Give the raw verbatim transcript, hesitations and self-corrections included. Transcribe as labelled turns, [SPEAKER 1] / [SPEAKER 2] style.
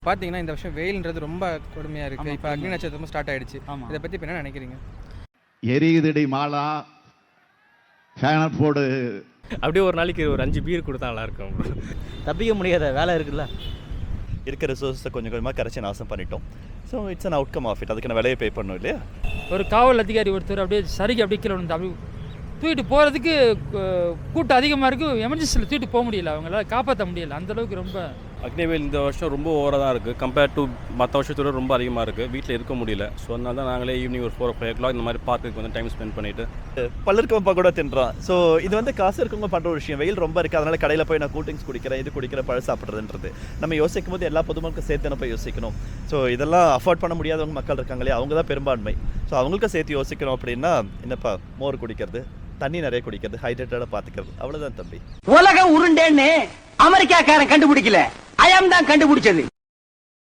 [SPEAKER 1] பார்த்தீங்கன்னா இந்த வருஷம் வெயில்ன்றது ரொம்ப கொடுமையாக இருக்குது. இப்போ அக்னி நட்சத்திரமும் ஸ்டார்ட் ஆகிடுச்சு. இதை பற்றி இப்போ என்ன நினைக்கிறீங்க?
[SPEAKER 2] எரியுதடி மாலா ஃபேனர் போடு.
[SPEAKER 3] அப்படியே ஒரு நாளைக்கு ஒரு அஞ்சு பீர் கொடுத்தா நல்லா இருக்கும்.
[SPEAKER 4] தப்பிக்க முடியாத வேலை இருக்குல்ல.
[SPEAKER 5] இருக்கிற ரிசோர்ஸை கொஞ்சம் கொஞ்சமாக கரைச்சி நாசம் பண்ணிட்டோம். So it's an outcome of it. அதுக்கு நான் விலையை பே பண்ணணும் இல்லையா?
[SPEAKER 6] ஒரு காவல் அதிகாரி ஒருத்தர் அப்படியே சரிக்கு அப்படியே கீழே வந்து அப்படி தூக்கிட்டு போகிறதுக்கு கூட்டம் அதிகமாக இருக்குது. எமர்ஜென்சியில் தூக்கிட்டு போக முடியல, அவங்களால காப்பாற்ற முடியல. அந்தளவுக்கு ரொம்ப
[SPEAKER 3] அக்னிவேல் இந்த வருஷம் ரொம்ப ஓவராக தான் இருக்குது. கம்பேர்ட் டு மற்ற வருஷத்தோட ரொம்ப அதிகமாக இருக்குது. வீட்டில் இருக்க முடியல. ஸோ அதனால தான் நாங்களே ஈவினிங் ஒரு ஃபோர் ஃபைவ் ஓ கிளாக் இந்த மாதிரி பார்க்குக்கு வந்து டைம் ஸ்பெண்ட் பண்ணிவிட்டு
[SPEAKER 5] பல்லருக்கவப்பா கூட தின்றான். ஸோ இது வந்து காசு இருக்கவங்க பண்ணுற ஒரு விஷயம். வெயில் ரொம்ப இருக்குது, அதனால் கடையில் போய் நான் கூல் ட்ரிங்க்ஸ் குடிக்கிறேன், இது குடிக்கிற பழம் சாப்பிட்றதுன்றது நம்ம யோசிக்கும் போது எல்லா பொதுமக்களுக்கும் சேர்த்து போய் யோசிக்கணும். ஸோ இதெல்லாம் அஃபோர்ட் பண்ண முடியாதவங்க மக்கள் இருக்காங்களே, அவங்க தான் பெரும்பான்மை. ஸோ அவங்களுக்கும் சேர்த்து யோசிக்கணும். அப்படின்னா என்னப்பா, மோர் குடிக்கிறது, தண்ணி நிறைய குடிக்கிறது, ஹைட்ரேட்டடாக பார்த்துக்கிறது, அவ்வளோதான் தம்பி.
[SPEAKER 7] உலகம் உருண்டேன்னு அமெரிக்காக்காரன் கண்டுபிடிக்கல, அயம் தான் கண்டுபிடிச்சது.